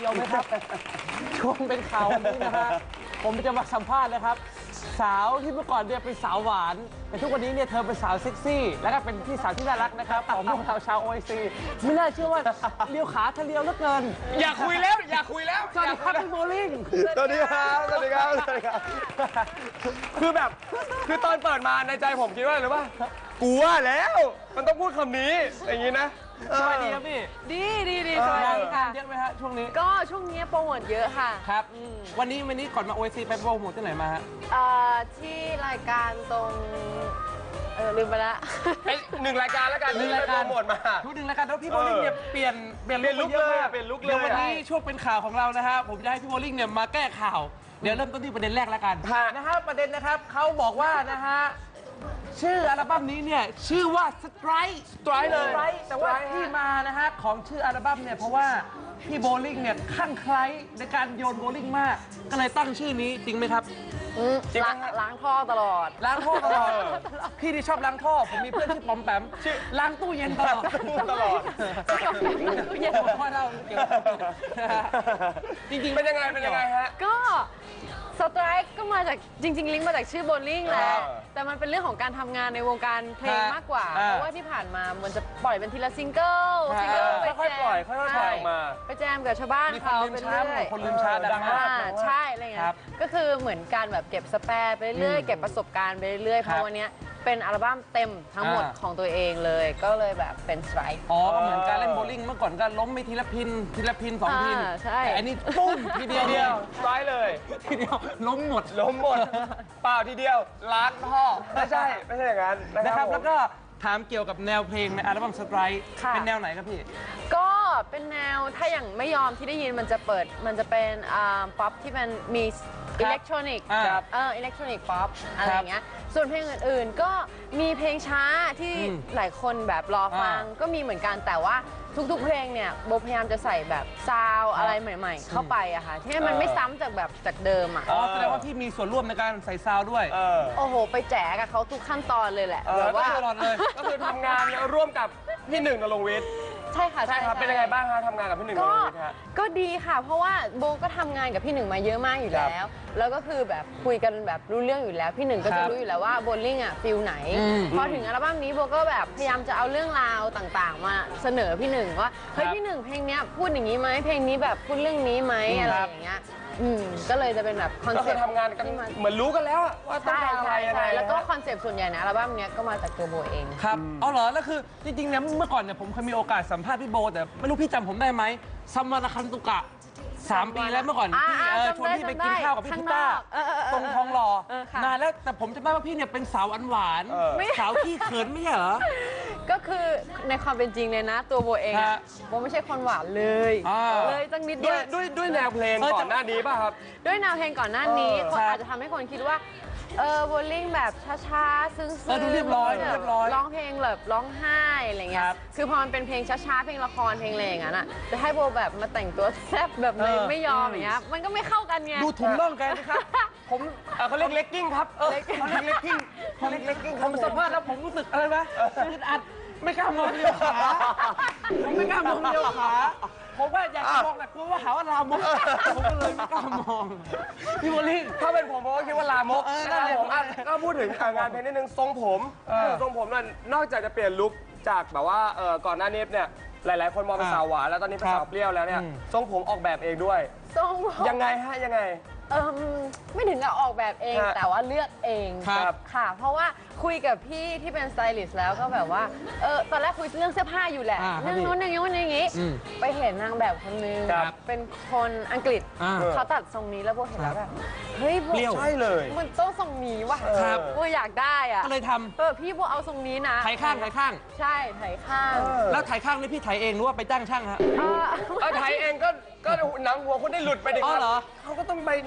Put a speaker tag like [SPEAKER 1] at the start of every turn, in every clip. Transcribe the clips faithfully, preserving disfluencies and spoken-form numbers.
[SPEAKER 1] ยวไหมครับช่วงเป็นข่าววันนี้นะฮะผมจะมาสัมภาษณ์นะครับสาวที่เมื่อก่อนเนี่ยเป็นสาวหวานแต่ทุกวันนี้เนี่ยเธอเป็นสาวเซ็กซี่แล้วก็เป็นพี่สาวที่น่ารักนะครับของพวกเราชาวโอไอซีไม่น่าเชื่อว่าเลี้ยวขาเธอเลี้ยวเหลือเกิน
[SPEAKER 2] อย่าคุยแล้วอย่าคุยแล้ว
[SPEAKER 1] สวัสดีครับพี่โบลิ่ง
[SPEAKER 2] สวัสดีครับสวัสดีครับสวัสดีครับคือแบบคือตอนเปิดมาในใจผมคิดว่าหรือว่ากูว่าแล้วมันต้องพูดคำนี้อย่างนี้นะ
[SPEAKER 1] สวัสดีครับพี่
[SPEAKER 3] ดีดีดีสวัสดีค่ะ
[SPEAKER 1] เยอะไหมฮะช่วงนี้
[SPEAKER 3] ก็ช่วงนี้โปรโมทเยอะค่ะ
[SPEAKER 1] ครับวันนี้วันนี้ก่อนมาโอไอซีไปโปรโมทที่ไหนมาฮะ
[SPEAKER 3] เอ่อที่รายการตรง เออลืมไปละ
[SPEAKER 2] ไอ้หนึ่งรายการแล้วกัน
[SPEAKER 1] หนึ่
[SPEAKER 2] ที่
[SPEAKER 1] ง
[SPEAKER 2] ไป
[SPEAKER 1] ราย
[SPEAKER 2] โป
[SPEAKER 1] การ
[SPEAKER 2] รโมทมา
[SPEAKER 1] ทุกหนึ่งรายการแล้วพี่โบลิ่งเนี่ยเปลี่ยนเปลี่ยน
[SPEAKER 2] เปลี่ยนลุค
[SPEAKER 1] เยอะ
[SPEAKER 2] เลย
[SPEAKER 1] มาก
[SPEAKER 2] เปลี่ยนลุคเลย
[SPEAKER 1] เดี๋ยววันนี้ช่วงเป็นข่าวของเรานะฮะผมจะให้พี่โบลิ่งเนี่ยมาแก้ข่าวเดี๋ยวเริ่มต้นที่ประเด็นแรกแล้วกันนะฮะประเด็นนะครับเขาบอกว่านะฮะชื่ออัลบั้มนี้เนี่ยชื่อว่า Strike
[SPEAKER 2] Strike เลย
[SPEAKER 1] Strike แต่ว่าที่มานะฮะของชื่ออัลบั้มเนี่ยเพราะว่าพี่โบลิ่งเนี่ยคลั่งไคล้ในการโยนโบลิ่งมากก็เลยตั้งชื่อนี้จริงไหมครับ
[SPEAKER 3] อืม
[SPEAKER 2] จริงไหม
[SPEAKER 3] ล้าง
[SPEAKER 2] ฮะ
[SPEAKER 3] ล้างท่อตลอด
[SPEAKER 1] ล้างท่อตลอดพี่ที่ชอบล้างท่อผมมีเพื่อนชื่อปอมแปมชื่อล้างตู้เย็นตลอด
[SPEAKER 2] ตลอด
[SPEAKER 1] ตู้เย็นผมว่าเราเกี่ยวจริงๆ
[SPEAKER 2] เป็นยังไงเป็นยังไงฮะ
[SPEAKER 3] ก็สไตร์ก็มาจากจริง ๆ ลิงก์มาจากชื่อโบลิ่งแหละ
[SPEAKER 2] อ่า
[SPEAKER 3] แต่มันเป็นเรื่องของการทำงานในวงการเพลงมากกว่า
[SPEAKER 1] อ่า
[SPEAKER 3] เพราะว่าที่ผ่านมามันจะปล่อยเป็นทีละซิงเกิล
[SPEAKER 1] อ่า
[SPEAKER 3] ซิงเกิลไป
[SPEAKER 2] ค่อย
[SPEAKER 3] แจ
[SPEAKER 2] ๆปล่อย
[SPEAKER 3] ม
[SPEAKER 2] ค่อยๆปล่อยออกมา
[SPEAKER 3] ไปแจมกับชาวบ้าน
[SPEAKER 1] มีคน
[SPEAKER 3] เขา
[SPEAKER 1] ลืม
[SPEAKER 3] ไป
[SPEAKER 1] ช้า
[SPEAKER 3] เรื่อย
[SPEAKER 1] คนลืมช้าดังมาก
[SPEAKER 3] อ่าใช่อะไรเงี้
[SPEAKER 1] ครั
[SPEAKER 3] ย
[SPEAKER 1] บ
[SPEAKER 3] ก็คือเหมือนการแบบเก็บสแปร์ไปเรื่อย
[SPEAKER 1] อืม
[SPEAKER 3] เก็บประสบการณ์ไปเรื่อยเพ
[SPEAKER 1] ครั
[SPEAKER 3] ราะ
[SPEAKER 1] บ
[SPEAKER 3] วันเนี้ยเป็นอัลบั้มเต็มทั้งหมด
[SPEAKER 1] อ่า
[SPEAKER 3] ของตัวเองเลย ก็เลยแบบเป็นสไตร์
[SPEAKER 1] อ๋อก็เหมือนการเล่นโบว์ลิ่งเมื่อก่อนก็ล้มไปทีละพินทีละพินสองพิน
[SPEAKER 3] อ่าใช่
[SPEAKER 1] แต่อันนี้ปุ้มทีเดียว
[SPEAKER 2] ทีเดียวร้อยเลย
[SPEAKER 1] ทีเดียวล้มหมด
[SPEAKER 2] ล้มหมด เปล่าทีเดียวล้างท่อไม่ใช่ไม่ใช่อย่างนั้นนะ
[SPEAKER 1] นะ
[SPEAKER 2] ค
[SPEAKER 1] ค
[SPEAKER 2] รั
[SPEAKER 1] รั
[SPEAKER 2] บบ ผม
[SPEAKER 1] แล้วก็ถามเกี่ยวกับแนวเพลงในอัลบั้มสไตร์
[SPEAKER 3] ค่ะ
[SPEAKER 1] เป็นแนวไหนครับพี่
[SPEAKER 3] ก็เป็นแนวถ้าอย่างไม่ยอมที่ได้ยินมันจะเปิดมันจะเป็นป๊อปที่มันมีอิเล็กทรอนิกส์
[SPEAKER 1] อ่า
[SPEAKER 3] เอออิเล็กทรอนิกส์ป๊อปอะไรอย่างเงี้ยส่วนเพลงอื่นๆ ก็มีเพลงช้าที่
[SPEAKER 1] อืม
[SPEAKER 3] หลายคนแบบรอฟัง
[SPEAKER 1] อ่า
[SPEAKER 3] ก็มีเหมือนกันแต่ว่าทุกๆเพลงเนี่ยโบพยายามจะใส่แบบซาวด์อะไรใหม่ ๆ เข้าไปอะค่ะที่ให้มันไม่ซ้ำจากแบบจากเดิมอะ
[SPEAKER 1] อ๋อแสดงว่าพี่มีส่วนร่วมในการใส่ซาวด์ด้วย
[SPEAKER 2] เออ
[SPEAKER 3] โอ้โห ไปแจกกับเขาทุกขั้นตอนเลยแหละ
[SPEAKER 2] เออ
[SPEAKER 3] แบบว่า
[SPEAKER 1] ตลอดเลย
[SPEAKER 2] ก็คือทำงานร่วมกับพี่หนึ่งนรงค์วิทย์
[SPEAKER 3] ใช่ค่ะ
[SPEAKER 2] ใช่ครับเป็นยังไงบ้างฮะทำงานกับพี่หนึ่งน
[SPEAKER 3] ก็
[SPEAKER 2] รงค์วิทย์ฮะ
[SPEAKER 3] ก็ดีค่ะ เพราะว่าโบก็ทำงานกับพี่หนึ่งมาเยอะมากอยู่
[SPEAKER 2] ครับ
[SPEAKER 3] แล้ว แล้วก็คือแบบคุยกันแบบรู้เรื่องอยู่แล้ว พี่หนึ่งก็
[SPEAKER 1] ครั
[SPEAKER 3] จะ
[SPEAKER 1] บ
[SPEAKER 3] รู้อยู่แล้วว่าโบลิ่งอ่ะฟิลไหน
[SPEAKER 1] อืม
[SPEAKER 3] พอถึงอัลบั้มนี้โบก็แบบพยายามจะเอาเรื่องราวต่างๆ มาเสนอพี่หนึ่งว่าเฮ้ย
[SPEAKER 1] ครับ
[SPEAKER 3] พี่หนึ่งเพลงเนี้ยพูดอย่างนี้ไหมเพลงนี้แบบพูดเรื่องนี้ไหม
[SPEAKER 1] อืม
[SPEAKER 3] อะไร
[SPEAKER 1] ครับ
[SPEAKER 3] อย่างเงี้ยอืมก็เลยจะเป็นแบบคอน
[SPEAKER 2] ก็
[SPEAKER 3] เซ็
[SPEAKER 2] คื
[SPEAKER 3] ป
[SPEAKER 2] อ
[SPEAKER 3] ต์
[SPEAKER 2] ทำงานกัน
[SPEAKER 3] ที่มัน
[SPEAKER 2] เหมือนรู้กันแล้วอะว่าต้อง
[SPEAKER 3] ใช่
[SPEAKER 2] การอะไร
[SPEAKER 3] ใช่
[SPEAKER 2] ยังไง
[SPEAKER 3] ใช่แล้วก็
[SPEAKER 2] นะ
[SPEAKER 3] คอนเซ็ปต์ส่วนใหญ่ในอัลบั้มเนี้ยก็มาจากตัวโบเอง
[SPEAKER 1] ครับเอาเหรอแล้วคือจริงๆเนี่ยเมื่อก่อนเนี่ยผมเคยมีโอกาสสัมภาษณ์พี่โบแต่ไม่รู้พี่จำผมได้ไหมซัมมาราคันตุกะสามปีแล้วเมื่อก่อน
[SPEAKER 3] อ่า
[SPEAKER 1] พี่
[SPEAKER 3] อ่า
[SPEAKER 1] เออ
[SPEAKER 3] จำ
[SPEAKER 1] ชวน
[SPEAKER 3] ได้
[SPEAKER 1] พี่ไป
[SPEAKER 3] จำได้
[SPEAKER 1] กินข้าวกับพี่
[SPEAKER 3] ข้าง
[SPEAKER 1] พิต้าน
[SPEAKER 3] อกเออเออเออ
[SPEAKER 1] ตรงทองหล่อ
[SPEAKER 3] เออค่ะ
[SPEAKER 1] นานแล้วแต่ผมจำได้ว่าพี่เนี่ยเป็นสาวอันหวาน
[SPEAKER 2] เออ
[SPEAKER 1] สาวขี้เขินไม่ใช่เหรอ
[SPEAKER 3] ก็คือในความเป็นจริงเลยนะ ตัวโบเอง
[SPEAKER 1] ฮะ
[SPEAKER 3] อะโบไม่ใช่คนหวานเลย
[SPEAKER 1] อ่า
[SPEAKER 3] เลยตั้งนิด
[SPEAKER 2] ด้
[SPEAKER 3] เดี
[SPEAKER 2] วย ยว ด้วยด้วยแนวเพลง
[SPEAKER 1] เออ
[SPEAKER 2] ก่อนหน้านี้ป่ะครับ
[SPEAKER 3] ด้วยแนวเพลงก่อนหน้านี้
[SPEAKER 2] เออ
[SPEAKER 3] คน
[SPEAKER 1] ครับ
[SPEAKER 3] อาจจะทำให้คนคิดว่าเออโบลิ่งแบบช้าๆ ซึ้งๆ
[SPEAKER 1] เออดูเรียบร้อย
[SPEAKER 3] แบบ
[SPEAKER 1] เรียบร้อย
[SPEAKER 3] ร้องเพลงแบบร้องไห้อะไรเงี้
[SPEAKER 1] ค
[SPEAKER 3] ย
[SPEAKER 1] รับ
[SPEAKER 3] คือพอมันเป็นเพลงช้าๆเพลงละครเพลงอะไรอย่างนั้นอ่ะจะให้โบแบบมาแต่งตัวแซ่บแบบเลย
[SPEAKER 1] เออ
[SPEAKER 3] ไม่ยอมอย่างเงี้ยมันก็ไม่เข้ากันไง
[SPEAKER 1] ดูถุงน่องแกนะครับผม
[SPEAKER 2] เอ่อเขาเรียกเลกกิ้งครับ
[SPEAKER 1] เออเขาเรียกเลกกิ้งเขาเรียกเลกกิ้งผมสัมภาษณ์แล้วผมรู้สึกอะไรไหมอึดอัดไม่กล้ามองเดียวขาผมไม่กล้ามองเดียวขาผมว่าอยากจะมองแต่กลัวว่าหาว่าลามกผมก็เลยไม่กล้ามองพี่โบลิ่ง
[SPEAKER 2] ถ้าเป็นผมผมก็คิดว่าลามก
[SPEAKER 1] เออ
[SPEAKER 2] นะค
[SPEAKER 1] นั่
[SPEAKER 2] รั
[SPEAKER 1] นแหละ
[SPEAKER 2] บผมอ่ะก็พูดถึงอ่ะงานเพลงนิดนึงทรงผม
[SPEAKER 1] เออ
[SPEAKER 2] ทรงผมนั่นนอกจากจะเปลี่ยนลุคจากแบบว่าเอ่อก่อนหน้านี้เนี่ยหลาย ๆ คนมองเป็น
[SPEAKER 1] อ่า
[SPEAKER 2] สาวหวานแล้วตอนนี้เป็น
[SPEAKER 1] ครับ
[SPEAKER 2] สาวเปรี้ยวแล้วเนี่ย
[SPEAKER 1] อืม
[SPEAKER 2] ทรงผมออกแบบเองด้วย
[SPEAKER 3] ทรงผม
[SPEAKER 2] ยังไงฮะยังไง
[SPEAKER 3] เอมไม่ถึงกับออกแบบเอง
[SPEAKER 2] ฮะ
[SPEAKER 3] แต่ว่าเลือกเอง
[SPEAKER 1] ครับ
[SPEAKER 3] ค่ะ เพราะว่าคุยกับพี่ที่เป็นสไตลิสต์แล้วก็แบบว่าเออตอนแรกคุยเรื่องเสื้อผ้าอยู่แหละ
[SPEAKER 1] อ่าครับ
[SPEAKER 3] เรื่องนู้นเรื่องนี้เรื่องนี้
[SPEAKER 1] อืม
[SPEAKER 3] ไปเห็นนางแบบคนนึง
[SPEAKER 2] ครับ
[SPEAKER 3] เป็นคนอังกฤษ
[SPEAKER 1] อ่า
[SPEAKER 3] เขาตัดทรงนี้แล้วโบเห็นแล้วแบบเฮ้ยโบ
[SPEAKER 1] เปรี้ยว
[SPEAKER 2] ใช่เลย
[SPEAKER 3] มันต้องทรงนี้ว่ะ
[SPEAKER 1] ครับ
[SPEAKER 3] โบอยากได้อ่ะ
[SPEAKER 1] ก็เลยท
[SPEAKER 3] เออพี่โบเอาทรงนี้นะ
[SPEAKER 1] ำไถข้างไถข้าง
[SPEAKER 3] ใช่ไถข้าง
[SPEAKER 2] เออ
[SPEAKER 1] แล้วไถข้างนี่พี่ไถเองหรือว่าไปจ้างช่างฮะ
[SPEAKER 3] เออ
[SPEAKER 2] เออไทยเองก็ก็หนังหัวคุณได้หลุดไปดิค
[SPEAKER 1] อ๋อ
[SPEAKER 2] รับ
[SPEAKER 1] เหรอ
[SPEAKER 2] เขาก็ต้องไป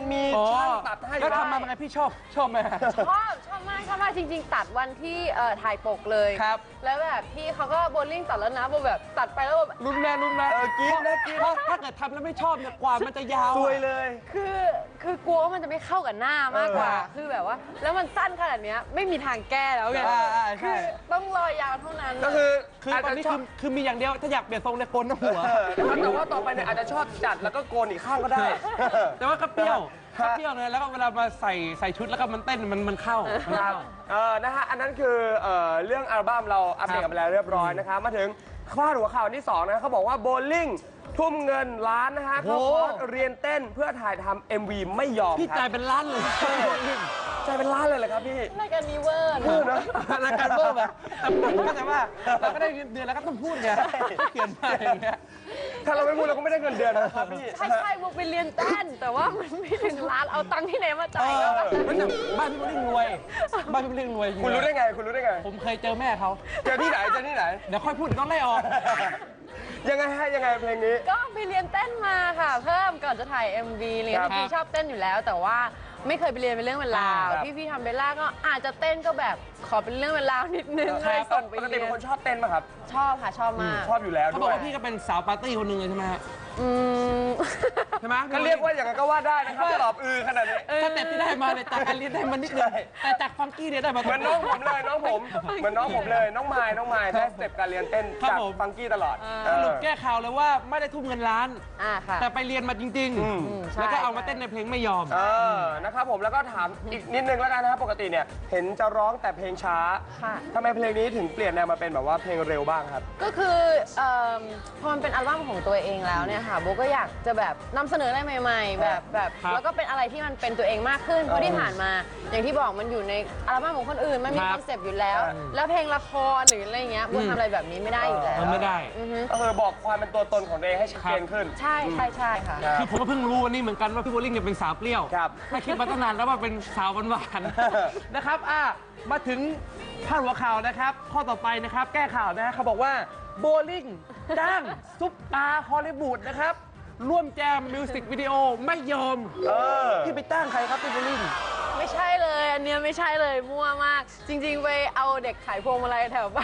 [SPEAKER 2] มี
[SPEAKER 1] อ๋อ
[SPEAKER 2] ช่างตัดให้
[SPEAKER 1] แล้วทำมาเป็นไงพี่ชอบชอบไหม
[SPEAKER 3] ชอบชอบมากชอบมากจริง ๆ ตัดวันที่เอ่อถ่ายปกเลย
[SPEAKER 1] ครับ
[SPEAKER 3] แล้วแบบพี่เขาก็โบลิ่งตัดแล้วนะโบแบบตัดไปแล้วแบบ
[SPEAKER 1] รุนแรงรุนแรง
[SPEAKER 2] เออกินนะกิน
[SPEAKER 1] เพราะถ้าเกิดทำแล้วไม่ชอบเนี่ยกว่ามันจะยาว
[SPEAKER 2] ซวย
[SPEAKER 1] อะ
[SPEAKER 2] เลย
[SPEAKER 3] คือคือกลัวว่ามันจะไม่เข้ากับหน้ามากกว่า
[SPEAKER 1] เออ
[SPEAKER 3] คือแบบว่า แล้วมันสั้นขนาดเนี้ยไม่มีทางแก้แล้วไง
[SPEAKER 1] อ่าอ่าใช่
[SPEAKER 3] คือต้องรอยาวเท่านั้น
[SPEAKER 2] ก็คือ
[SPEAKER 1] คือ
[SPEAKER 2] อาจ
[SPEAKER 1] ตอน
[SPEAKER 2] จะ
[SPEAKER 1] นี้
[SPEAKER 2] ช
[SPEAKER 1] คื
[SPEAKER 2] อบ
[SPEAKER 1] อคือมีอย่างเดียวถ้าอยากเปลี่ยนทรงเนี่ยโกนหน้าหัว
[SPEAKER 2] เออแต่ว่าต่อไปเนี่ยอาจจะชอบจัดแล้วก็โกนอีกข้างก็ได้
[SPEAKER 1] แต่ว่าก็เปรี้ยว
[SPEAKER 2] ฮะ
[SPEAKER 1] ก็เปรี้ยวเลยแล้วก็เวลามาใส่ใส่ชุดแล้วก็มันเต้นมันมันเข้ามัน
[SPEAKER 2] ครับ
[SPEAKER 1] เข้า
[SPEAKER 2] เออนะฮะ อันนั้นคือเอ่อเรื่องอัลบั้มเราอัปเดตกันไปแล้วเรียบร้อยนะครับ มาถึงพาดหัวข่าวที่สองนะเขาบอกว่าโบลิ่งทุ่มเงินล้านนะฮะเข้าคอร์สเรียนเต้นเพื่อถ่ายทำเอ็มวีไม่ยอม
[SPEAKER 1] พี่
[SPEAKER 2] ค
[SPEAKER 1] จ่า
[SPEAKER 2] รั
[SPEAKER 1] ย
[SPEAKER 2] บ
[SPEAKER 1] เป็นล้านเลย
[SPEAKER 2] ใจเป็นล้านเลยเหรอครับพี่
[SPEAKER 3] รายการนี้เวอร์
[SPEAKER 2] พูดนะ
[SPEAKER 1] รายการเบอร์แบบแต่ก็แต่ว่าเราก็ได้เงินเดือนแล้วก็ต้องพูดไงเขียนมาอย่างเงี้ย
[SPEAKER 2] ถ้าเราไม่พูดเราก็ไม่ได้เงินเดือนนะครับพี่
[SPEAKER 3] ใช่ใช่โบไปเรียนเต้นแต่ว่ามันไม่ถึงล้านเอาตังค์ที่ไหนมาจ่ายก็
[SPEAKER 2] เออ
[SPEAKER 1] มันแต่บ้านพี่โบลิ่งรวย บ้านพี่โบลิ่งรวยจริง
[SPEAKER 2] คุณรู้ได้ไง คุณรู้ได้ไง
[SPEAKER 1] ผมเคยเจอแม่เขา
[SPEAKER 2] เจอที่ไหนเจอที่ไหน
[SPEAKER 1] เดี๋ยวค่อยพูดเดี๋ยวต้องไล่ออก
[SPEAKER 2] ยังไงฮะยังไงเพลงนี้
[SPEAKER 3] ก็ไปเรียนเต้นมาค่ะ เพิ่มก่อนจะถ่าย เอ็ม วีเรียน
[SPEAKER 2] ครับ
[SPEAKER 3] พี่ชอบเต้นอยู่แล้ว แต่ว่าไม่เคยไปเรียนเป็นเรื่องเป็นราว
[SPEAKER 2] ครับ
[SPEAKER 3] พี่พี่ๆทำเบลล่าก็อาจจะเต้นก็แบบขอเป็นเรื่องเป็นราวนิดนึงเลยส่งไป
[SPEAKER 2] ปกติ
[SPEAKER 3] เรีย
[SPEAKER 2] เป็น
[SPEAKER 3] น
[SPEAKER 2] คนชอบเต้นป่ะครับ
[SPEAKER 3] ชอบค่ะชอบมาก
[SPEAKER 2] ชอบอยู่แล้ว
[SPEAKER 1] เขาบ
[SPEAKER 2] ด้
[SPEAKER 1] อก
[SPEAKER 2] วย
[SPEAKER 1] ว่าพี่ก็เป็นสาวปาร์ตี้คนหนึ่งเลยใช่ไหมฮะ
[SPEAKER 3] อืม
[SPEAKER 1] ใช่ไหม
[SPEAKER 2] ก็เรียกว่าอย่างนั้นก็ว่าได้นะครับตอบอือขนาดนี้
[SPEAKER 1] สเต็ปที่ได้มาเนี่ยจากการเรียนได้มานิดนึงแต่จากฟังกี้เนี่ยได้มา
[SPEAKER 2] เหมือนน้องผมเลยน้องผมเหมือนน้องผมเลยน้องไมายน้องไมายได้สเต็ปการเรียนเต้น
[SPEAKER 1] ครับ
[SPEAKER 2] จาก
[SPEAKER 1] ผม
[SPEAKER 2] ฟังกี้ตลอด
[SPEAKER 1] สรุปแก้ข่าวเลยว่าไม่ได้ทุ่มเงินล้าน
[SPEAKER 3] อ่าค่ะ
[SPEAKER 1] แต่ไปเรียนมาจริง
[SPEAKER 2] อืม
[SPEAKER 1] ๆ แล้วก็เอามาเต้นในเพลงไม่ยอม
[SPEAKER 2] เออนะครับผมแล้วก็ถามอีกนิดนึงแล้วกันนะครับปกติเนี่ยเห็นจะร้องแต่เพลงช้า
[SPEAKER 3] ค่ะ
[SPEAKER 2] ทำไมเพลงนี้ถึงเปลี่ยนแนวมาเป็นแบบว่าเพลงเร็วบ้างครับ
[SPEAKER 3] ก็คือเอิ่มพอมันเป็นอัลบั้มของตัวเองแล้วเนี่ยค่ะโบก็อยากจะแบบนำเสนออะไรใหม่ ๆ แบบแบบ
[SPEAKER 1] ครับ
[SPEAKER 3] แล้วก็เป็นอะไรที่มันเป็นตัวเองมากขึ้น เพราะที่ผ่านมา อย่างที่บอกมันอยู่ในอัลบั้มของคนอื่นมันมี
[SPEAKER 1] ค
[SPEAKER 3] ครับ อนเซปต์อยู่แล้ว
[SPEAKER 2] อืม
[SPEAKER 3] แล้วเพลงละครหรืออะไรเงี้ยโบทำอะไรแบบนี้ไม่ได้อยู่แล้ว
[SPEAKER 1] มันไม่ได้
[SPEAKER 3] อือฮึ
[SPEAKER 2] ก็คือบอกความเป็นตัวตนของตัวเองให้ชัดเจนขึ้น
[SPEAKER 3] ใช่ใช่ใช่ค่ะ
[SPEAKER 2] ครับ
[SPEAKER 1] คือผมก็เพิ่งรู้วันนี้เหมือนกันว่าพี่โบลิ่งเนี่ยเป็นสาวเปรี้ยว
[SPEAKER 2] ครับ
[SPEAKER 1] ถ้าคิดมาตั้งนานแล้วว่าเป็นสาวหวานๆ นะครับอ่ะมาถึงพาดหัวข่าวนะครับ ข้อต่อไปนะครับ แก้ข่าวนะฮะเขาบอกว่าโบลิ่งจ้างซุปตาร์ฮอลลีวูดนะครับ ร่วมแจมมิวสิกวิดีโอไม่ยอม
[SPEAKER 2] เออ
[SPEAKER 1] พี่ไปจ้างใครครับพี่โบลิ่ง
[SPEAKER 3] ไม่ใช่เลย อันเนี้ยไม่ใช่เลยมั่วมาก จริง ๆ ไปเอาเด็กขายพวงมาลัยแถวบ้าน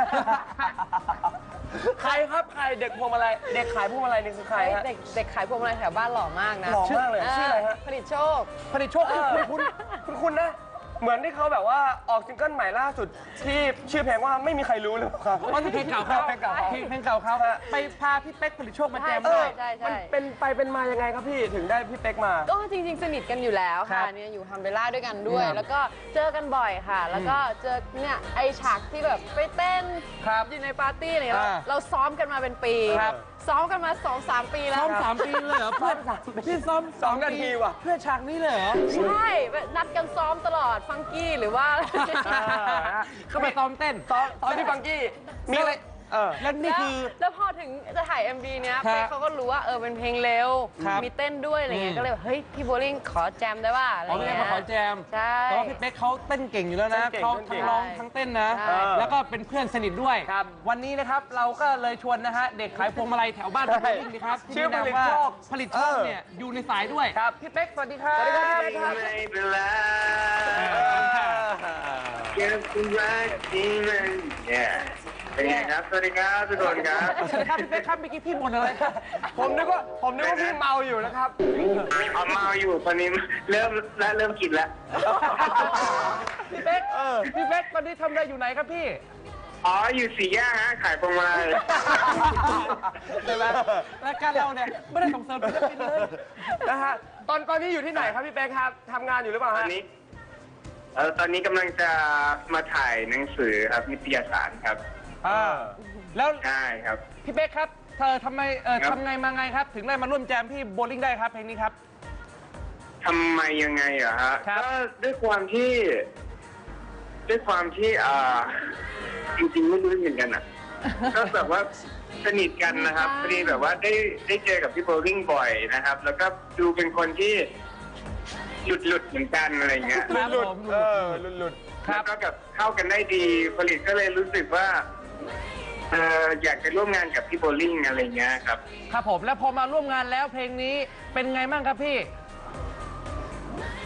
[SPEAKER 2] ใครครับใครเด็กพวงมาลัยเด็กขายพวงมาลัยนี่คือใครฮะ
[SPEAKER 3] เด็กเด็กขายพวงมาลัยแถวบ้านหล่อมากนะ
[SPEAKER 2] หล่อมากเลยชื่ออะไรฮะ
[SPEAKER 3] ผลิตโชค
[SPEAKER 1] ผลิตโชคคุณคุณ
[SPEAKER 2] คุณคุณนะ เหมือนที่เขาแบบว่าออกซิงเกิลใหม่ล่าสุดที่ชื่อเพลงว่าไม่มีใครรู้เลยครับ
[SPEAKER 1] ว่าเพลงเก่าเขา
[SPEAKER 2] เพลงเก่าเขา
[SPEAKER 1] เพลงเพลงเก่าเขาไปพาพี่เป๊กผลิตโชคมาแจม
[SPEAKER 3] ใช่
[SPEAKER 1] ด้วย
[SPEAKER 3] ใช่ใช่
[SPEAKER 2] มันเป็นไปเป็นมายังไงครับพี่ถึงได้พี่เป๊กมา
[SPEAKER 3] ก็จริง ๆ สนิทกันอยู่แล้ว
[SPEAKER 1] ครั
[SPEAKER 3] ค่ะ
[SPEAKER 1] บ
[SPEAKER 3] เนี่ยอยู่ฮัมเบลล่าด้วยกันด้วย
[SPEAKER 1] ครับ
[SPEAKER 3] แล้วก็เจอกันบ่อยค่ะ แล้วก็เจอเนี่ยไอฉากที่แบบไปเต้น
[SPEAKER 1] ครับ
[SPEAKER 3] อยู่ในปาร์ตี้อะไรเนี่ยเรา
[SPEAKER 1] อ่า
[SPEAKER 3] เราซ้อมกันมาเป็นปี
[SPEAKER 1] ครับ
[SPEAKER 3] ซ้อมกันมาสองสามปีแล้ว
[SPEAKER 1] ซ้อมสามปีเลยเหรอเพื่อนพี่ซ้อม
[SPEAKER 2] สองนาทีว่ะ
[SPEAKER 1] เพื่อฉากนี้เลยเหรอ
[SPEAKER 3] ใช่นัดกันซ้อมตลอดฟังกี้หรือว่า
[SPEAKER 1] เข้าไปซ้อมเต้น
[SPEAKER 2] ตอนตอนที่ฟังกี้มีอะไรเออ
[SPEAKER 1] แล้วนี่
[SPEAKER 3] แล้ว
[SPEAKER 1] คือ
[SPEAKER 3] แล้วพอถึงจะถ่าย เอ็ม วี เนี้ย
[SPEAKER 1] ครับ
[SPEAKER 3] เป๊กเขาก็รู้ว่าเออเป็นเพลงเร็ว
[SPEAKER 1] ครับ
[SPEAKER 3] มีเต้นด้วยอะไรเงี้
[SPEAKER 1] อื
[SPEAKER 3] ย
[SPEAKER 1] ม
[SPEAKER 3] ก็เลยแบบเฮ้ยพี่โบลิ่งขอแจมได้ป่ะอะไร
[SPEAKER 1] อ๋อพี่เป๊ก
[SPEAKER 3] เงี้ย
[SPEAKER 1] มาขอแจม
[SPEAKER 3] ใช่
[SPEAKER 1] แต่ว่าพี่เป๊กเขาเต้นเก่งอยู่แล้วนะ
[SPEAKER 2] เต้นเก่ง
[SPEAKER 1] เขา
[SPEAKER 2] เต้นเก่
[SPEAKER 1] ทั้
[SPEAKER 2] ง
[SPEAKER 1] งร้องทั้งเต้นนะ
[SPEAKER 3] ใช่
[SPEAKER 1] แล้วก็เป็นเพื่อนสนิทด้วย
[SPEAKER 2] ครับ
[SPEAKER 1] วันนี้นะครับเราก็เลยชวนนะฮะเด็กขายพวงมาลัยแถวบ้านพี่โบลิ่งนะครับ
[SPEAKER 2] ชื่อ
[SPEAKER 1] ที่มี
[SPEAKER 2] ผลิต
[SPEAKER 1] นามว่า
[SPEAKER 2] โชค
[SPEAKER 1] ผลิตโชค
[SPEAKER 2] เออ
[SPEAKER 1] เนี่ยอยู่ในสายด้วย
[SPEAKER 2] ครับ
[SPEAKER 1] พี่เป๊กสวัสดีครับ
[SPEAKER 2] สวัสดีครับพี่เป๊กครับ
[SPEAKER 4] ไม่เป็นไร
[SPEAKER 1] เออ
[SPEAKER 4] เก็บคุณรักที่มันเนี่ยเป็นไงครับ สวัสดีครับทุกคนครับ
[SPEAKER 1] สวัสดีครับพี่เป๊กครับเมื่อกี้พี่บ่นอะไรครับ
[SPEAKER 2] ผมนึกว่าผมนึกว่าพี่เมาอยู่นะครับ
[SPEAKER 4] เอาเมาอยู่ตอนนี้เริ่มและเริ่มกินแล้ว
[SPEAKER 1] พี่เป๊กพี่เป๊กตอนนี้ทำอะไรอยู่ไหนครับพี่
[SPEAKER 4] อ๋อ อยู่สี่แยกฮะ ขายพวงมาลัย
[SPEAKER 1] ใช่ไหมรายการเราเนี่ยไม่ได้ส่งเสริมศิลปินเลย
[SPEAKER 2] นะฮะตอนตอนนี้อยู่ที่ไหนครับพี่เป๊กครับทำงานอยู่หรือเปล่า
[SPEAKER 4] ตอ
[SPEAKER 2] ฮะ
[SPEAKER 4] นนี้เออตอนนี้กำลังจะมาถ่ายหนังสือครับนิตยสารครับ
[SPEAKER 1] อ่าแล้ว
[SPEAKER 4] ใช่ครับ
[SPEAKER 1] พี่เป๊กครับเธอทำไมเออ
[SPEAKER 4] ครับ
[SPEAKER 1] ทำไงมาไงครับ ถึงได้มาร่วมแจมพี่โบลิ่งได้ครับเพลงนี้ครับ
[SPEAKER 4] ทำไมยังไงเหรอฮะ
[SPEAKER 1] ครับ
[SPEAKER 4] ก็ด้วยความที่ ด้วยความที่อ่าจริงๆไม่รู้เหมือนกันอ่ะ ก็แบบว่าสนิทกันนะครับพอดีแบบว่าได้ได้เจอกับพี่โบลิ่งบ่อยนะครับ แล้วก็ดูเป็นคนที่หลุดหลุดๆเหมือนกันอะไรเงี้ย
[SPEAKER 1] ครับ
[SPEAKER 2] หลุด
[SPEAKER 1] ผม
[SPEAKER 2] ๆเออหลุดหลุด
[SPEAKER 1] ครับ
[SPEAKER 4] แล้วก็แบบเข้ากันได้ดีผลิตก็เลยรู้สึกว่าเอออยากจะร่วมงานกับพี่โบลิ่งอะไรเงี้ยครับ
[SPEAKER 1] ครับผมแล้วพอมาร่วมงานแล้วเพลงนี้เป็นไงบ้างครับพี่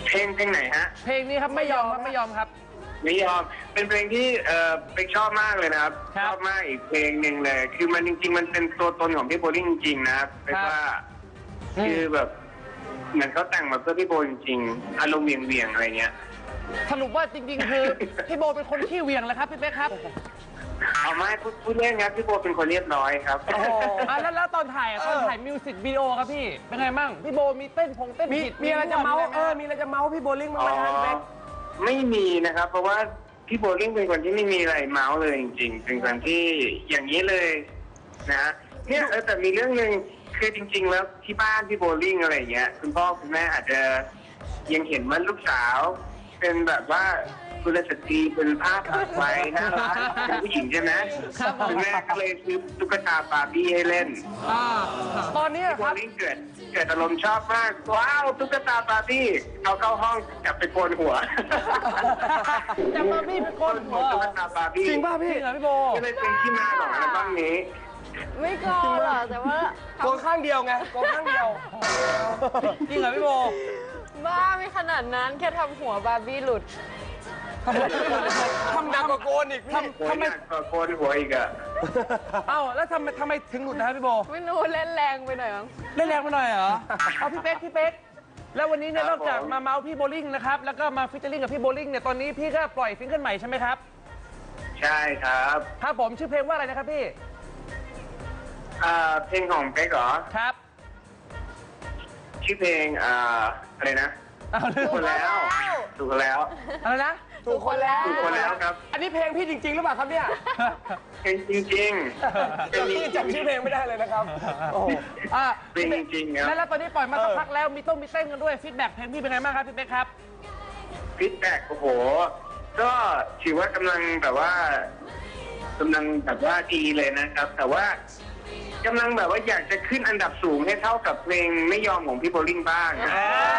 [SPEAKER 4] เพลงเพลงไหนฮะ
[SPEAKER 1] เพลงนี้ครับไม่ยอมครับไม่ยอมครับ
[SPEAKER 4] ไม่ยอมเป็นเพลงที่เออเป็กชอบมากเลยนะครับ
[SPEAKER 1] ครับ
[SPEAKER 4] ชอบมากอีกเพลงหนึ่งเลย คือมันจริงๆ มันเป็นตัวตนของพี่โบลิ่งจริงๆนะครับเป็กว่า
[SPEAKER 1] อืม
[SPEAKER 4] คือแบบเหมือนเขาแต่งมาเพื่อพี่โบจริงๆอารมณ์เวียงๆอะไรเงี้ย
[SPEAKER 1] สรุปว่าจริงๆ คือ พี่โบเป็นคนขี้เหวียงแล้วครับพี่เป๊กครับ
[SPEAKER 4] เอาไม่พูดพูดเล่นครับพี่โบเป็นคนเรียบร้อยครับ
[SPEAKER 1] อ่ะแล้วแล้วตอนถ่ายอ่ะตอนถ่ายมิวสิกวิดีโอครับพี่เป็นไงบ้างพี่โบมีเต้นพงเต้น
[SPEAKER 2] มี
[SPEAKER 1] ผิด
[SPEAKER 2] มีอะไรจะเมาส์
[SPEAKER 1] นวด
[SPEAKER 2] เออมีอะไรจะเมาส์พี่โบลิ่งบ้าง
[SPEAKER 4] อ๋
[SPEAKER 2] ไหม
[SPEAKER 4] อ
[SPEAKER 2] ฮะพี่เป๊ก
[SPEAKER 4] ไม่มีนะครับ เพราะว่าพี่โบลิ่งเป็นคนที่ไม่มีอะไรเมาส์เลยจริงๆเป็นคนที่อย่างนี้เลยนะเนี่ยเออแต่มีเรื่องหนึ่งคือจริง ๆ แล้วที่บ้านพี่โบลิ่งอะไรอย่างเงี้ยคุณพ่อคุณแม่อาจจะยังเห็นว่าลูกสาว เป็นแบบว่ากุลสตรีเป็นภาพตัดไว้น่ารักเป็นผู้หญิงใช่ไหมคุณแม่ก็เลยซื้อตุ๊กตาบาร์บี้ให้เล่น
[SPEAKER 1] อ่า
[SPEAKER 2] ตอนนี้
[SPEAKER 4] พี่โบ
[SPEAKER 2] ครับ
[SPEAKER 4] ลิ่งเกิดเกิดอารมณ์ชอบมากว้าวตุ๊กตาบาร์บี้เอาเข้าห้องจับไปโกนหัว
[SPEAKER 1] จะมาพี่เป็นคน
[SPEAKER 4] หัวตุ๊กตาบาร์บี้
[SPEAKER 2] จริงป่ะ
[SPEAKER 1] จริ
[SPEAKER 2] พี่
[SPEAKER 1] งเหรอพี่โบ
[SPEAKER 4] ก็เลยเป็นที่มาของอัลบั้มนี้
[SPEAKER 3] ไม่โกงหรอกแต่ว่า
[SPEAKER 2] โกงข้างเดียวไงโกงข้างเดียว
[SPEAKER 1] จริงเหรอพี่โบ
[SPEAKER 3] บ้าไม่ขนาดนั้นแค่ทำหัวบาร์บี้หลุด
[SPEAKER 2] ทำหนักกว่าโกนอีกพี่
[SPEAKER 1] ทำ
[SPEAKER 4] โกน
[SPEAKER 1] ทำไม
[SPEAKER 4] หนักกว่าโกนหัวอีกอะ
[SPEAKER 1] เอ้าแล้วทำไมทำไมถึงหลุดนะครับพี่โบ
[SPEAKER 3] ไม่รู้เล่นแรงไปหน่อยมั้ง
[SPEAKER 1] เล่นแรงไปหน่อยเหรอเอาพี่เป๊กพี่เป๊กแล้ววันนี้เนี่ยนอกจากมาเมาส์พี่โบลิ่งนะครับแล้วก็มาฟิชเชอร์ลิงกับพี่โบลิ่งเนี่ยตอนนี้พี่ก็ปล่อยซิงเกิลใหม่ใช่ไหมครับ
[SPEAKER 4] ใช่ครับ
[SPEAKER 1] ครับผมชื่อเพลงว่าอะไรนะครับพี่
[SPEAKER 4] อ่าเพลงของเป๊กเหรอ
[SPEAKER 1] ครับ
[SPEAKER 4] ชื่อเพลงอ่าอะไรนะ
[SPEAKER 1] เอาเรื่
[SPEAKER 4] ถู
[SPEAKER 1] อก ง
[SPEAKER 4] คนแล้วถูกคนแล้ว
[SPEAKER 1] อะไรนะ
[SPEAKER 2] ถูกคนแล้ว
[SPEAKER 4] ถูกคนแล้วครับ
[SPEAKER 2] อันนี้เพลงพี่จริงๆหรือเปล่าครับเนี่ย
[SPEAKER 4] เพลงจริงๆเพลง
[SPEAKER 2] พี่จำชื่อเพลงไม่ได้เลยนะครับโอ้โห
[SPEAKER 1] อ่ะ
[SPEAKER 4] เพลงจริงๆครับ
[SPEAKER 1] แล้วแล้วตอนนี้ปล่อยมาสักพักแล้วมีต้องมีเต้นกันด้วยฟีดแบ็กเพลงพี่เป็นไงบ้างครับพี่เป๊กครับ
[SPEAKER 4] ฟีดแบ็กโอ้โห ก็ถือว่ากำลังแบบว่ากำลังแบบว่าดีเลยนะครับ แต่ว่ากำลังแบบว่าอยากจะขึ้นอันดับสูงให้เท่ากับเพลงไม่ยอมของพี่โบลิ่งบ้างนะ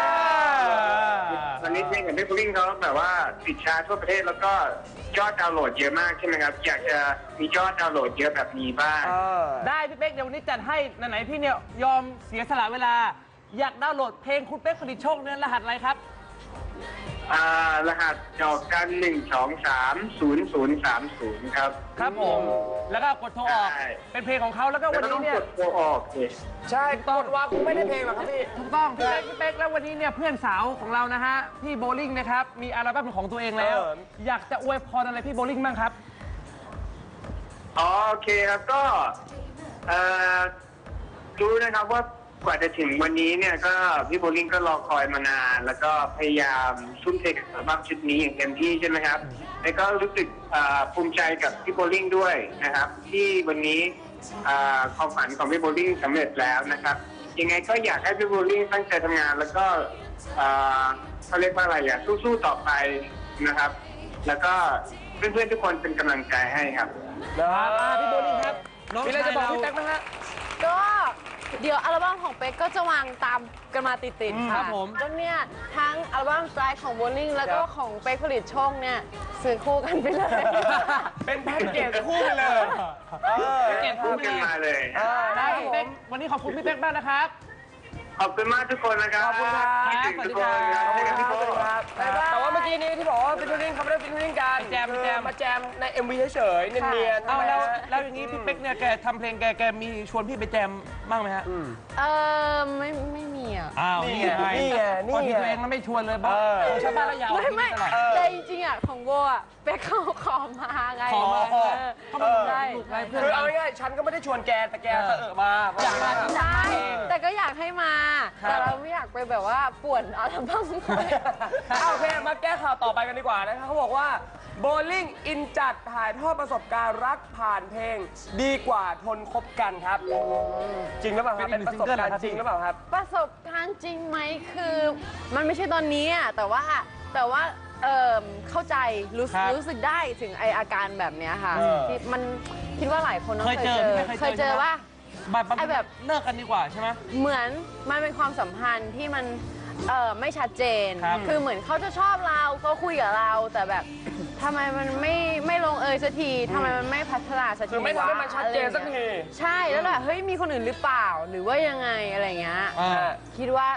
[SPEAKER 4] ตอนนี้เพลงของพี่โบลิ่งเขาแบบว่าติดชาร์ตทั่วประเทศแล้วก็ยอดดาวน์โหลดเยอะมากใช่ไหมครับ อยากจะมียอดดาวน์โหลดเยอะแบบนี้บ้าง
[SPEAKER 2] เออ
[SPEAKER 1] ได้พี่เป๊กเดี๋ยววันนี้จัดให้ไหนๆพี่เนี่ยยอมเสียสละเวลา อยากดาวน์โหลดเพลงคุณเป๊กผลิตโชคเนี่ยรหัสอะไรครับ
[SPEAKER 4] อ่ารหัสดอกกันหนึ่งสองสามศูนย์ศูนย์สามศูนย์ครับ
[SPEAKER 1] ครับผม แล้วก็กดโทรออก
[SPEAKER 4] ใช่
[SPEAKER 1] เป็นเพลงของเขาแล้วก็
[SPEAKER 4] แล้ว
[SPEAKER 1] วัน
[SPEAKER 4] ก็ต้
[SPEAKER 1] นี้
[SPEAKER 4] อง
[SPEAKER 1] เนี่ย
[SPEAKER 4] กดโทรออกสิ
[SPEAKER 2] ใช่ตอนว่าคงไม่ได้เพลงหรอกครับพี่
[SPEAKER 1] ถูกต้องพี่เป๊กพี่เป๊กแล้ววันนี้เนี่ยเพื่อนสาวของเรานะฮะพี่โบลิ่งนะครับมีอัลบั้มเป็นของตัวเองแล้ว
[SPEAKER 2] เออ
[SPEAKER 1] อยากจะอวยพรอะไรพี่โบลิ่งบ้างครับ
[SPEAKER 4] อ๋อโอเคครับก็เอ่อรู้นะครับว่ากว่าจะถึงวันนี้เนี่ยก็พี่โบลิ่งก็รอคอยมานาน แล้วก็พยายามทุ่มเทกับอัลบั้มชุดนี้อย่างเต็มที่ใช่ไหมครับแล้วก็รู้สึกเอ่อภูมิใจกับพี่โบลิ่งด้วยนะครับ ที่วันนี้เอ่อความฝันของพี่โบลิ่งสำเร็จแล้วนะครับ ยังไงก็อยากให้พี่โบลิ่งตั้งใจทำงาน แล้วก็เอ่อเขาเรียกว่าอะไรอ่ะสู้ๆต่อไปนะครับ แล้วก็เพื่อนๆทุกคนเป็นกำลังใจให้ครับ
[SPEAKER 1] ครับอ่าพี่โบลิ่งครับน้อง
[SPEAKER 2] มีอะไร
[SPEAKER 1] ชาย
[SPEAKER 2] จะบอก
[SPEAKER 1] เรา
[SPEAKER 2] พี่แป๊กไหมฮะ
[SPEAKER 3] ก็เดี๋ยวอัลบั้มของเป๊กก็จะวางตามกันมาติด
[SPEAKER 1] อืม
[SPEAKER 3] ๆ
[SPEAKER 1] ครั
[SPEAKER 3] ค่ะ
[SPEAKER 1] บผม
[SPEAKER 3] ก็เนี่ยทั้งอัลบั้มสไตล์ของโบลิ่งแล้วก็
[SPEAKER 2] ครับ
[SPEAKER 3] ของเป๊กผลิตโชคเนี่ยซื้อคู่กันไปเลย
[SPEAKER 2] เป็นแพ็กเกจคู่ไปเลยเออ
[SPEAKER 1] เก็บ
[SPEAKER 4] พูดกันมาเลย
[SPEAKER 2] เออ
[SPEAKER 1] ได้
[SPEAKER 2] ได้
[SPEAKER 1] พี่
[SPEAKER 2] พี่
[SPEAKER 1] เป๊
[SPEAKER 2] เป๊
[SPEAKER 1] ก
[SPEAKER 2] ก
[SPEAKER 1] วันนี้ขอบคุณพี่เป๊กมากนะครับ
[SPEAKER 4] ขอบคุณมากทุกคนนะครับ
[SPEAKER 2] ขอบคุณครับ
[SPEAKER 4] คิดถึงทุกคนครับ
[SPEAKER 2] ขอบคุณ
[SPEAKER 4] คิด
[SPEAKER 2] ค
[SPEAKER 4] ถึ
[SPEAKER 2] รับ
[SPEAKER 4] งทุกคน
[SPEAKER 2] ครับแต่ว่าเมื่อกี้นี้ที่บอกว่าเป็นทูริงเขาไม่ได้เป็นทูริงกัน
[SPEAKER 1] แจม
[SPEAKER 2] คือ
[SPEAKER 1] แจม
[SPEAKER 2] มาแจมใน เอ็ม วี เฉยๆเนียนๆ
[SPEAKER 1] เอาแล้ว
[SPEAKER 2] ใช่ไหม
[SPEAKER 1] แล้วอย่างนี้พี่เป๊กเนี่ยแกทำเพลงแกแกมีชวนพี่ไปแจมบ้างไหมฮะ
[SPEAKER 3] เออไม่ไม่มีอ่ะ
[SPEAKER 1] อ้าว
[SPEAKER 2] นี่
[SPEAKER 1] นี่
[SPEAKER 2] ไง
[SPEAKER 1] ไง
[SPEAKER 2] นี่ไงนี่ไง
[SPEAKER 1] พอที่ตัวเองมันไม่ชวนเลยบ้าง
[SPEAKER 2] เออ
[SPEAKER 1] ชาวบ้านระยาว
[SPEAKER 3] ไม่ไม่
[SPEAKER 1] ตลอด
[SPEAKER 3] แต่จริงๆอ่ะของโบอ่ะเป๊กเขาขอมาไง
[SPEAKER 1] ขอมา
[SPEAKER 3] เออ
[SPEAKER 1] เขามา
[SPEAKER 3] ใช่
[SPEAKER 1] ถูกไงเพื่
[SPEAKER 2] คือ
[SPEAKER 1] อน
[SPEAKER 2] เอาง่ายๆฉันก็ไม่ได้ชวนแกแต่แกเสอะมา
[SPEAKER 1] อยากมา
[SPEAKER 3] ใช่แต่ก็อยากให้มา
[SPEAKER 1] ครับ
[SPEAKER 3] แต่เราไม่อยากไปแบบว่าป่วนอัลบั้มเขา
[SPEAKER 2] เอาโอเคมาแก้ข่าวต่อไปกันดีกว่านะครับเขาบอกว่าโบลิ่งอินจัดถ่ายทอดประสบการณ์รักผ่านเพลง ดีกว่าทนคบกันครับ จริงหรือเปล่าครับ
[SPEAKER 1] เป็
[SPEAKER 2] เป็น น
[SPEAKER 1] อีก
[SPEAKER 2] ประสบการณ์
[SPEAKER 1] ซิงเกิลเหรอครับ
[SPEAKER 2] จริงหรือเปล่าครับ
[SPEAKER 3] ประสบการณ์จริงไหมคือ มันไม่ใช่ตอนนี้อ่ะแต่ว่าแต่ว่าเออเข้าใจรู้สึก
[SPEAKER 1] ครับ
[SPEAKER 3] รู้สึกได้ถึงไออาการแบบเนี้ยค่ะ
[SPEAKER 2] เออ
[SPEAKER 3] ที่มันคิดว่าหลายคนต้อง
[SPEAKER 1] เค
[SPEAKER 3] เค
[SPEAKER 1] ย
[SPEAKER 3] ย
[SPEAKER 1] เจ
[SPEAKER 3] เจ
[SPEAKER 1] อ
[SPEAKER 3] อ
[SPEAKER 1] พี่ไม่
[SPEAKER 3] เคยเจอ
[SPEAKER 1] ใช่หม
[SPEAKER 3] ว่า
[SPEAKER 1] แบบ
[SPEAKER 3] ไอ้แบบ
[SPEAKER 1] เลิกกันดีกว่าใช่ไหม
[SPEAKER 3] เหมือนมันเป็นความสัมพันธ์ที่มันเออไม่ชัดเจน
[SPEAKER 1] ครับ
[SPEAKER 3] คือเหมือนเขาจะชอบเราเขาคุยกับเรา แต่แบบทำไมมันไม่ไม่ลงเอยสักทีทำไมมันไม่พัฒนาสักที
[SPEAKER 2] คือไม่ทำให้มันชัดเจนสักที
[SPEAKER 3] ใช่แล้วแบบเฮ้ยมีคนอื่นหรือเปล่าหรือว่ายังไงอะไรเงี้ย
[SPEAKER 1] อ่า
[SPEAKER 3] คิดว่าต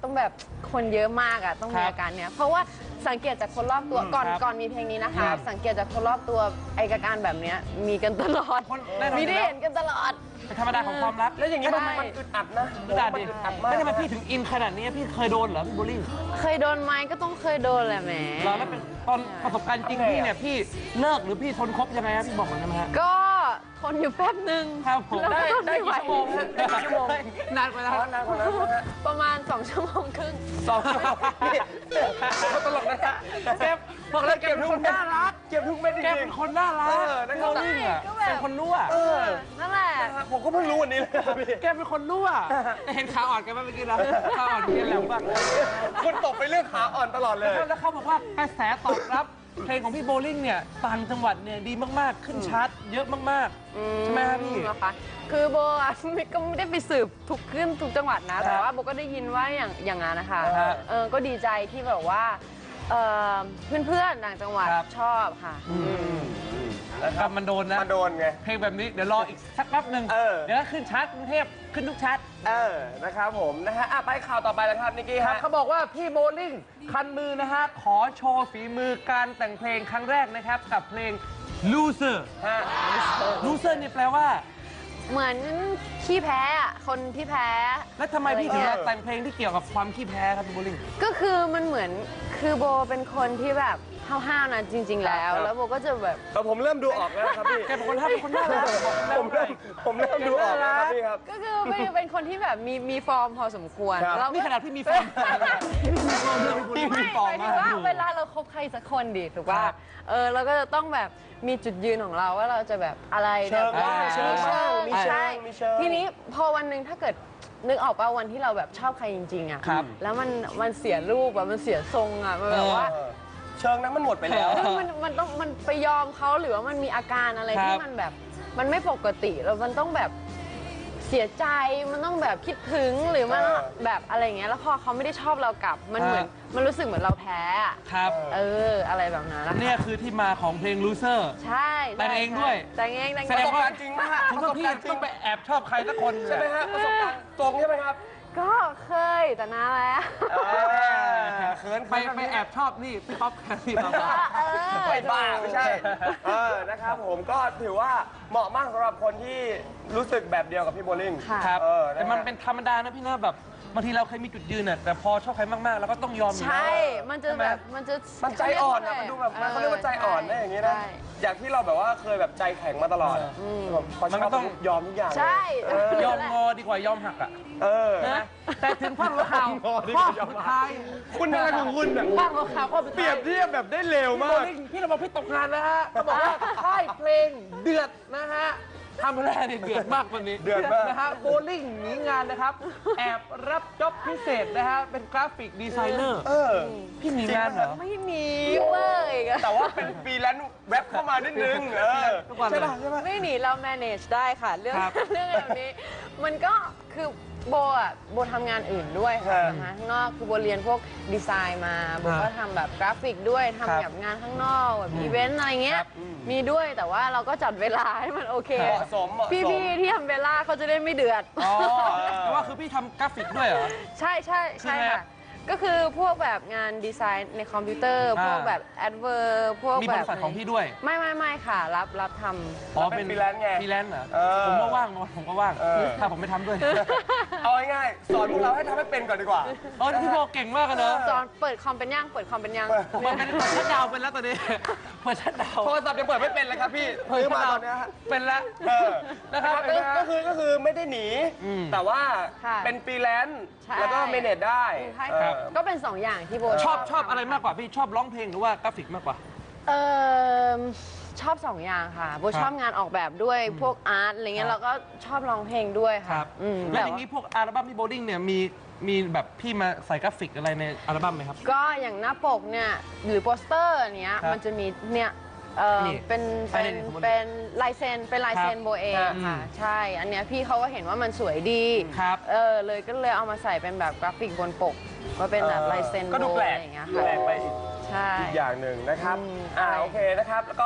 [SPEAKER 3] ต้องแบบคนเยอะมากอ่ะต้องมี
[SPEAKER 1] ครับ
[SPEAKER 3] อาการเนี้ยเพราะว่าสังเกตจากคนรอบตัวก่อน
[SPEAKER 1] ครับ
[SPEAKER 3] ก่อนมีเพลงนี้นะคะ
[SPEAKER 1] ครับ
[SPEAKER 3] สังเกตจากคนรอบตัวไอ้อาการแบบเนี้ยมีกันตลอด
[SPEAKER 1] คนแน่นอน
[SPEAKER 3] มีได้
[SPEAKER 1] อยู่แล้ว
[SPEAKER 3] เห็นกันตลอด
[SPEAKER 1] เป็นธรรมดาของความรัก
[SPEAKER 2] แล้วอย่างนี้มัน
[SPEAKER 3] ใช่
[SPEAKER 2] มันอึดอัดนะ
[SPEAKER 1] กระดาษดิ
[SPEAKER 2] มันอึดอัดมาก
[SPEAKER 1] แล้วทำไมพี่ถึงอินขนาดนี้พี่เคยโดนเหรอพี่โบลิ่ง
[SPEAKER 3] เคยโดนไหมก็ต้องเคยโดนแหละแหม
[SPEAKER 1] เราแล้วเป็นตอนประสบการณ์จริงพี่เนี่ยพี่เลิกหรือพี่ทนคบยังไงครับพี่บอกหน่อยได้ไหมฮะ
[SPEAKER 3] ก็ทนอยู่แป๊บหนึ่ง
[SPEAKER 1] ครับผม
[SPEAKER 3] แล้ว
[SPEAKER 2] ได้
[SPEAKER 3] ก็ทน
[SPEAKER 2] ได้
[SPEAKER 3] ไม่ไหว
[SPEAKER 2] กี่ชั่วโมงฮะได้กี่ชั่วโมง
[SPEAKER 1] นานกว่านั้น
[SPEAKER 2] อ๋อนานกว่านั้นนะฮะ
[SPEAKER 3] ประมาณสองชั่วโมงครึ่ง
[SPEAKER 2] สองชั่วโมงนี่เขาตลกนะฮะ
[SPEAKER 1] แกบอกเลยแกเป็นคนน่ารัก
[SPEAKER 2] เก็บทุกเม็ดจ
[SPEAKER 1] แก
[SPEAKER 2] ริ
[SPEAKER 1] เป็
[SPEAKER 2] ง
[SPEAKER 1] นคนน่ารัก
[SPEAKER 2] เออนะครับ
[SPEAKER 1] โบลิ่งอ่ะ
[SPEAKER 3] ก็แบบ
[SPEAKER 1] เป็นคนรั่ว
[SPEAKER 2] ๆเออ
[SPEAKER 3] นั่นแหละ
[SPEAKER 2] ผมก็เพิ่งรู้วันนี้เลยครับพี่
[SPEAKER 1] แกเป็นคนรั่วแต่เห็นขาอ่อนแกไหมเมื่อกี้นะขาอ่อนแกแหลมมากเลย
[SPEAKER 2] คุณตกไปเรื่องขาอ่อนตลอดเลย
[SPEAKER 1] แล้วเขาบอกว่ากระแสตอบรับเพลงของพี่โบลิ่งเนี่ยต่างจังหวัดเนี่ยดีมากๆ ขึ้นชาร์ตเยอะมากๆ ใช่ไหมครับพี่
[SPEAKER 3] นะคะคือโบอะไม่ก็ไม่ได้ไปสืบทุกขึ้นทุกจังหวัดนะ แต่ว่าโบก็ได้ยินว่าอย่างอย่างนั้นนะคะ
[SPEAKER 1] ครับ
[SPEAKER 3] เออก็ดีใจที่แบบว่าเอ่อเพื่อนๆต่างจังหวัด
[SPEAKER 1] ครับ
[SPEAKER 3] ชอบค่ะ
[SPEAKER 1] ครับมันโดนนะ
[SPEAKER 2] มาโดนไง
[SPEAKER 1] เพลงแบบนี้เดี๋ยวรออีกสักแป๊บหนึ่ง
[SPEAKER 2] เออ
[SPEAKER 1] เดี๋ยวก็ขึ้นชาร์ตกรุงเทพขึ้นทุกชาร์ต
[SPEAKER 2] เออ นะครับผมนะฮะอ่ะไปข่าวต่อไปแล้วครับนิกกี้
[SPEAKER 1] ครับ
[SPEAKER 2] ฮะ
[SPEAKER 1] เขาบอกว่าพี่โบลิ่งคันมือนะฮะ ขอโชว์ฝีมือการแต่งเพลงครั้งแรกนะครับ กับเพลง loser
[SPEAKER 2] ฮะ
[SPEAKER 1] loser นี่แปลว่า
[SPEAKER 3] เหมือนขี้แพ้อะคนที่แพ้
[SPEAKER 1] แล้วทำไมพี่ถึง
[SPEAKER 2] เออ
[SPEAKER 1] มาแต่งเพลงที่เกี่ยวกับความขี้แพ้ครับพี่โบลิ่ง
[SPEAKER 3] ก็คือมันเหมือนคือโบเป็นคนที่แบบห้าวๆนะจริง ๆ แล้ว
[SPEAKER 2] ครับ
[SPEAKER 3] แล้วโบก็จะแบบ
[SPEAKER 2] แต่ผมเริ่มดูออกแล้วนะครับพี่
[SPEAKER 1] แกเป็นคนท่าเป็นคนน่ารัก
[SPEAKER 2] ผมเริ่มผมเริ่มดูออกแล้วครับพี่ครับ
[SPEAKER 3] ก็คือเป็นเป็นคนที่แบบมีมีฟอร์มพอสมควร
[SPEAKER 2] ครับ
[SPEAKER 3] แล้ว
[SPEAKER 1] นี่ขนาดพี่มีแฟนพี่มีฟอร์ม
[SPEAKER 3] ไม่
[SPEAKER 1] มาก
[SPEAKER 3] หมายถึงว่าเวลาเราคบใครสักคนดิถูกป่ะ
[SPEAKER 1] ครับ
[SPEAKER 3] เออเราก็จะต้องแบบมีจุดยืนของเราว่าเราจะแบบอะไร
[SPEAKER 2] เชิง
[SPEAKER 3] แบบ
[SPEAKER 2] บ้างเชิงบ้างมีเชิง
[SPEAKER 3] ใช่
[SPEAKER 2] มีเชิง
[SPEAKER 3] ทีนี้พอวันหนึ่งถ้าเกิดนึกออกป่ะวันที่เราแบบชอบใครจริงๆอ่ะ
[SPEAKER 1] ครับ
[SPEAKER 3] แล้วมันมันเสียรูปอ่ะมันเสียทรงอ่ะมันแบบว่า
[SPEAKER 2] เออเชิงนั้นมันหมดไปแล้ว
[SPEAKER 3] คือมันมันต้องมันไปยอมเขาหรือว่ามันมีอาการอะไร
[SPEAKER 1] ครับ
[SPEAKER 3] ที่มันแบบมันไม่ปกติแล้วมันต้องแบบเสียใจมันต้องแบบคิดถึงหรือมัน
[SPEAKER 2] เออ
[SPEAKER 3] แบบอะไรอย่างเงี้ยแล้วพอเขาไม่ได้ชอบเรากลับมันเหมือน
[SPEAKER 1] ฮะ
[SPEAKER 3] มันรู้สึกเหมือนเราแพ้อะ
[SPEAKER 1] ครับ
[SPEAKER 3] เอออะไรแบบนั้นนะคะ
[SPEAKER 1] เนี่ยคือที่มาของเพลง loser
[SPEAKER 3] ใช่
[SPEAKER 1] แต่งเองด้วย
[SPEAKER 3] แต่งเองแต่ง
[SPEAKER 1] แส
[SPEAKER 3] เอ
[SPEAKER 1] ด
[SPEAKER 3] ง
[SPEAKER 1] งว่า
[SPEAKER 2] ประสบการณ์จริงนะฮะ
[SPEAKER 1] คุณต้องพี่
[SPEAKER 2] ประสบการณ์จริง
[SPEAKER 1] ต้องไปแอบชอบใครสักคน
[SPEAKER 2] ใช่ไหมฮะประสบการณ์ตรงใช่ไหมครับ
[SPEAKER 3] ก็เคยแต่นานแล้ว
[SPEAKER 2] เออเขิน
[SPEAKER 1] ไปไปแอบชอบนี่พี่ป๊อปแคทพี่ป๊อป
[SPEAKER 3] เออ
[SPEAKER 2] ไปบ้าไม่ใช่ เออ นะครับผมก็ถือว่าเหมาะมากสำหรับคนที่รู้สึกแบบเดียวกับพี่โบลิ่ง
[SPEAKER 3] ค่ะ
[SPEAKER 1] ครับ
[SPEAKER 2] เออนะฮะ
[SPEAKER 1] แต่มันเป็นธรรมดานะพี่นะแบบบางทีเราเคยมีจุดยืนน่ะแต่พอชอบใครมากๆเราก็ต้องยอมอยู่
[SPEAKER 3] ใช่
[SPEAKER 1] แล้ว
[SPEAKER 3] มันจะ
[SPEAKER 1] ใช่ไหม
[SPEAKER 3] แบบมันจะ
[SPEAKER 2] มันใจอ่อนอะมันดูแบบมันเขาเรียกว่าใจอ่อนนะอย่างนี้นะ
[SPEAKER 3] ใช่
[SPEAKER 2] จากที่เราแบบว่าเคยแบบใจแข็งมาตลอดอะแบบพอช
[SPEAKER 1] มันก็
[SPEAKER 2] อบ
[SPEAKER 1] ต้อง
[SPEAKER 2] ยอมทุกอย่างเลย
[SPEAKER 3] ใช่
[SPEAKER 2] เออย
[SPEAKER 1] อมงอดีกว่ายอมหักอ่ะ
[SPEAKER 2] เออ
[SPEAKER 1] นะแต่ถึงภาคหัวข่าว
[SPEAKER 2] งอดีก
[SPEAKER 1] ข้อ
[SPEAKER 2] ว่ายอม
[SPEAKER 1] สุด
[SPEAKER 2] หัก
[SPEAKER 1] ท้าย
[SPEAKER 2] คุณอะไรของคุณอะ
[SPEAKER 1] ภาคหัวข่าวข้อสุด
[SPEAKER 2] เปรี
[SPEAKER 1] ท้าย ย
[SPEAKER 2] บเทียบแบบได้เร็ว
[SPEAKER 1] พี่
[SPEAKER 2] มา
[SPEAKER 1] โบ
[SPEAKER 2] ก
[SPEAKER 1] ลิ่งพี่เราบอกพี่ตกงานแล้วฮะเขาบอกว่าค่ายเพลงเดือดนะฮะทำแรเนี่ยเดือดมากวันนี้
[SPEAKER 2] เดือดมาก
[SPEAKER 1] นะฮะโบลิ่งหนีงานนะครับ แอบรับจ็อบพิเศษนะฮะเป็นกราฟิกดีไซเนอร์
[SPEAKER 2] เออ
[SPEAKER 1] พี่หนีงานเหรอ
[SPEAKER 3] ไม่มีเว้ย
[SPEAKER 2] แต่ว่าเป็นฟรีแลนซ์แว็บเข้ามานิดนึง เออ
[SPEAKER 1] ทุกวันเลย
[SPEAKER 2] ใช่ป่ะใช่ป่ะ
[SPEAKER 3] ไม่หนีเรา manage ได้ค่ะ เรื่อง
[SPEAKER 1] ครับ
[SPEAKER 3] เรื่องแบบนี้ มันก็คือโบอ่ะโบทำงานอื่นด้วยค่ะ
[SPEAKER 2] ครับ
[SPEAKER 3] นะคะข้างนอกคือโบเรียนพวกดีไซน์มาโบ
[SPEAKER 1] ครับ
[SPEAKER 3] ก็ทำแบบกราฟิกด้วย
[SPEAKER 1] ครับ
[SPEAKER 3] ทำแบบงานข้างนอกแบบอีเวนต์อะไรเงี้
[SPEAKER 1] ค
[SPEAKER 3] ย
[SPEAKER 1] รับ
[SPEAKER 3] มีด้วยแต่ว่าเราก็จัดเวลาให้มันโอเค
[SPEAKER 2] เหมาะสมเหมาะสม
[SPEAKER 3] พี่ๆที่ทำเวลาเขาจะได้ไม่เดือด
[SPEAKER 1] อ๋อแต่ว่าคือพี่ทำกราฟิกด้วยเหรอ
[SPEAKER 3] ใช่ใช่ใช่
[SPEAKER 1] คือไง
[SPEAKER 3] ค่ะ ก็คือพวกแบบงานดีไซน์ในคอมพิวเตอร์
[SPEAKER 1] อ่า
[SPEAKER 3] พวกแบบแอดเวอร์พวก
[SPEAKER 1] มี
[SPEAKER 3] แบบ
[SPEAKER 1] ริษัทของพี่ด้วย
[SPEAKER 3] ไม่ไม่ไม่ค่ะ รับรับทำ
[SPEAKER 1] อ๋อ
[SPEAKER 2] เป็น freelance ไง
[SPEAKER 1] ฟรีแลนซ์เหรอ
[SPEAKER 2] เออ
[SPEAKER 1] ผมก็ว่างนะผมก็ว่าง
[SPEAKER 2] เออ
[SPEAKER 1] ถ้าผมไม่ทำด้วย
[SPEAKER 2] เอาง่ายๆสอนพวกเราให้ทำให้เป็นก่อนดีกว่า
[SPEAKER 1] เออพี่โบเก่งมากเลยเนอะ
[SPEAKER 3] สอนเปิดคอมเป็นย่างเปิดคอมเป็นย่าง
[SPEAKER 2] เปิด
[SPEAKER 1] เปิดเป็นเปิดชัดดาวน์เป็นแล้วตอนนี้เปิดชัดดาวน์
[SPEAKER 2] โทรศัพท์ยังเปิดไม่เป็นเลยครับพี่ซื้อมาตอนเนี้ยฮะ
[SPEAKER 1] เป็นแล้ว
[SPEAKER 2] เออ
[SPEAKER 1] นะครับ
[SPEAKER 2] ก็ก็คือก็คือไม่ได้หนี
[SPEAKER 1] อืม
[SPEAKER 2] แต่ว่า
[SPEAKER 3] ค่ะ
[SPEAKER 2] เป็นฟรีแลนซ์
[SPEAKER 3] ใช่
[SPEAKER 2] แล้วก็เมเนจได้
[SPEAKER 3] ใช่
[SPEAKER 2] เออ
[SPEAKER 3] ก็เป็นสองอย่างที่โบ
[SPEAKER 1] ชอบชอบอะไรมากกว่าพี่ชอบร้องเพลงหรือว่ากราฟิกมากกว่า
[SPEAKER 3] เออชอบสองอย่างค่ะโบชอบงานออกแบบด้วยพวกอาร์ตอะไรเงี้
[SPEAKER 1] ครั
[SPEAKER 3] ย
[SPEAKER 1] บ
[SPEAKER 3] แล้วก็ชอบร้องเพลงด้วย
[SPEAKER 1] ค
[SPEAKER 3] ค่ะ
[SPEAKER 1] รับ
[SPEAKER 3] อืม
[SPEAKER 1] แล้ว
[SPEAKER 3] แต่
[SPEAKER 1] อย่าง
[SPEAKER 3] ว่า
[SPEAKER 1] นี้พวกอัลบั้มพี่โบลิ่งเนี่ยมีมีแบบพี่มาใส่กราฟิกอะไรในอัลบั้มไหมครับ
[SPEAKER 3] ก็อย่างหน้าปกเนี่ยหรือโปสเตอร์เนี้ย
[SPEAKER 1] ครับ
[SPEAKER 3] มันจะมีเนี่ยเออ
[SPEAKER 1] นี่
[SPEAKER 3] เป็น
[SPEAKER 1] ใช่
[SPEAKER 3] เป็น
[SPEAKER 1] นี่สมมุติ
[SPEAKER 3] เป็นลายเซ็นเป็นลายเซ็น
[SPEAKER 1] ครับ
[SPEAKER 3] โบเอง
[SPEAKER 1] ครับ
[SPEAKER 3] ค่ะ
[SPEAKER 1] อืม
[SPEAKER 3] ใช่อันเนี้ยพี่เขาก็เห็นว่ามันสวยดี
[SPEAKER 1] ครับ
[SPEAKER 3] เออเลยก็เลยเอามาใส่เป็นแบบกราฟิกบนปกก็เป็นแบบลายเซ็น
[SPEAKER 2] ก็ดู
[SPEAKER 3] โบ
[SPEAKER 2] แปล
[SPEAKER 3] อะ
[SPEAKER 2] ก
[SPEAKER 3] ไรอย่างเงี้ย
[SPEAKER 2] แปล
[SPEAKER 3] ค่ะ
[SPEAKER 2] กไปอีก
[SPEAKER 3] ใช่
[SPEAKER 2] อีกอย่างหนึ่งนะครับ
[SPEAKER 3] อืม
[SPEAKER 2] อ่า
[SPEAKER 3] ใช่
[SPEAKER 2] โอเคนะครับ แล้วก็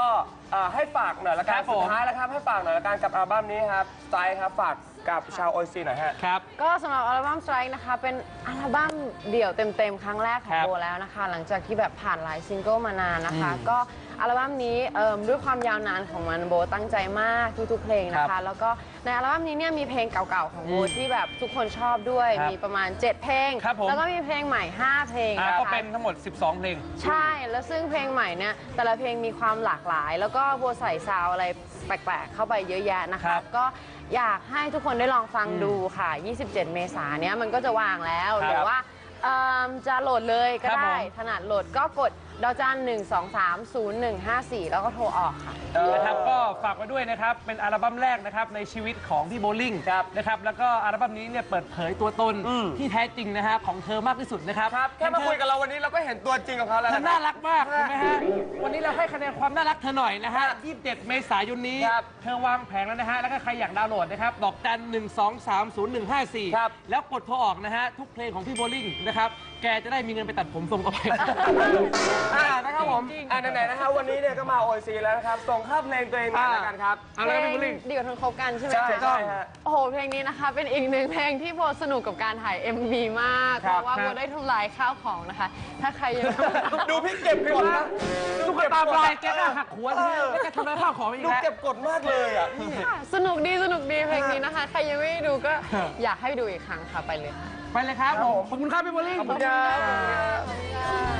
[SPEAKER 2] เอ่อให้ฝากหน่อยละกั
[SPEAKER 1] คน รับผม
[SPEAKER 2] สุดท้ายแล้วครับให้ฝากหน่อยละกันกับอัลบั้มนี้ครับสไตล์ครับฝากกับชาวโอซีหน่อยฮะ
[SPEAKER 1] ครับ
[SPEAKER 3] ก็สำหรับอัลบั้ม Strike นะคะ เป็นอัลบั้มเดี่ยวเต็มๆ ครั้งแรกขอ
[SPEAKER 1] ค
[SPEAKER 3] ง
[SPEAKER 1] รับ
[SPEAKER 3] โบแล้วนะคะ หลังจากที่แบบผ่านหลายซิงเกิลมานานนะคะ
[SPEAKER 1] อืม
[SPEAKER 3] ก็อัลบั้มนี้เอิ่มด้วยความยาวนานของมันโบตั้งใจมากทุกๆเพลงนะ
[SPEAKER 1] ครั
[SPEAKER 3] คะ
[SPEAKER 1] บ
[SPEAKER 3] แล้วก็ในอัลบั้มนี้เนี่ยมีเพลงเก่าๆของโบ
[SPEAKER 1] อืม
[SPEAKER 3] ที่แบบทุกคนชอบด้วย
[SPEAKER 1] ครับ
[SPEAKER 3] มีประมาณเจ็ดเพลง
[SPEAKER 1] ครับผม
[SPEAKER 3] แล้วก็มีเพลงใหม่ห้าเพลง
[SPEAKER 1] อ่า
[SPEAKER 3] นะคะ
[SPEAKER 1] ก็เป็นทั้งหมด สิบสอง เพลง
[SPEAKER 3] ใช่ แล้วซึ่งเพลงใหม่เนี่ยแต่ละเพลงมีความหลากหลาย แล้วก็โบใส่ซาวด์อะไรแปลกๆ เข้าไปเยอะแยะนะ
[SPEAKER 1] ครั
[SPEAKER 3] คะ
[SPEAKER 1] บ
[SPEAKER 3] ก็อยากให้ทุกคนได้ลองฟังดูค่ะ ยี่สิบเจ็ด เมษายนเนี้ยมันก็จะวางแล้ว
[SPEAKER 1] ครับ
[SPEAKER 3] หรือว่าเอิ่มจะโหลดเลยก็
[SPEAKER 1] ครับ
[SPEAKER 3] ได้
[SPEAKER 1] ผม
[SPEAKER 3] ถนัดโหลดก็กดดาวจันหนึ่งสองสามศูนย์หนึ่งห้าสี่แล้วก็โทรออกค่ะ
[SPEAKER 1] นะครับก็ฝากไว้ด้วยนะครับ เป็นอัลบั้มแรกนะครับในชีวิตของพี่โบลิ่ง
[SPEAKER 2] ครับ
[SPEAKER 1] นะครับแล้วก็อัลบั้มนี้เนี่ยเปิดเผยตัวตน
[SPEAKER 2] อืม
[SPEAKER 1] ที่แท้จริงนะฮะของเธอมากที่สุดนะครับ
[SPEAKER 2] ครับแค่มาคุยกับเราวันนี้เราก็เห็นตัวจริงของเขาแล้ว
[SPEAKER 1] เธอ
[SPEAKER 2] นะ
[SPEAKER 1] น่า
[SPEAKER 2] ครับ
[SPEAKER 1] รักมากถูกไหมฮะวันนี้เราให้คะแนนความน่ารักเธอหน่อยนะฮะยี่สิบเจ็ด เมษายนนี้
[SPEAKER 2] ครับ
[SPEAKER 1] เธอวางแผงแล้วนะฮะแล้วก็ใครอยากดาวน์โหลดนะครับดอกจันหนึ่งสองสามศูนย์หนึ่งห้าสี่
[SPEAKER 2] ครับ
[SPEAKER 1] แล้วกดโทรออกนะฮะทุกเพลงของพี่โบลิ่งนะครับแกจะได้มีเงินไปตัดผมส่งต่อไป
[SPEAKER 2] อ่านะครับผมอ่าไหนๆนะครับวันนี้เนี่ยก็มาโอซีแล้วนะครับส่งค่าเพลงตัวเองมาแล้วกันครับ
[SPEAKER 1] เอาละครับพี่โบ
[SPEAKER 3] เพล
[SPEAKER 1] ลิ่ง
[SPEAKER 3] งเดียวทนคบกันใช่ไหม
[SPEAKER 2] ใช่
[SPEAKER 3] คะ
[SPEAKER 2] ใช่ฮะ
[SPEAKER 3] โอ้โห เพลงนี้นะคะ เป็นอีกหนึ่งเพลงที่โบสนุกกับการถ่าย เอ็ม วี มาก
[SPEAKER 2] ค
[SPEAKER 3] เพ
[SPEAKER 2] รับ
[SPEAKER 3] ราะว่า
[SPEAKER 1] ครั
[SPEAKER 3] โบบ ได้ทำลายข้าวของนะคะ ถ้าใครยัง
[SPEAKER 2] ดูพี่เก็บกดนะ
[SPEAKER 1] ตุ๊กตาปลายแกก็หักหัวเลยแล้วแกทำร้ายข้าวของอีก
[SPEAKER 2] ดู
[SPEAKER 1] แล้ว
[SPEAKER 2] เก็บกดมากเลยอ่ะพี่
[SPEAKER 3] ค่ะสนุกดีสนุกดีเพลงนี้นะคะ ใครยังไม่ได้ดูก็อยากให้ดูอีกครั้งค่ะไปเลยค่ะ
[SPEAKER 1] ไปเลยครับผมขอบคุณครับพี่โบลิ่ง
[SPEAKER 2] ขอบคุณครับ
[SPEAKER 3] ขอบคุณค่ะ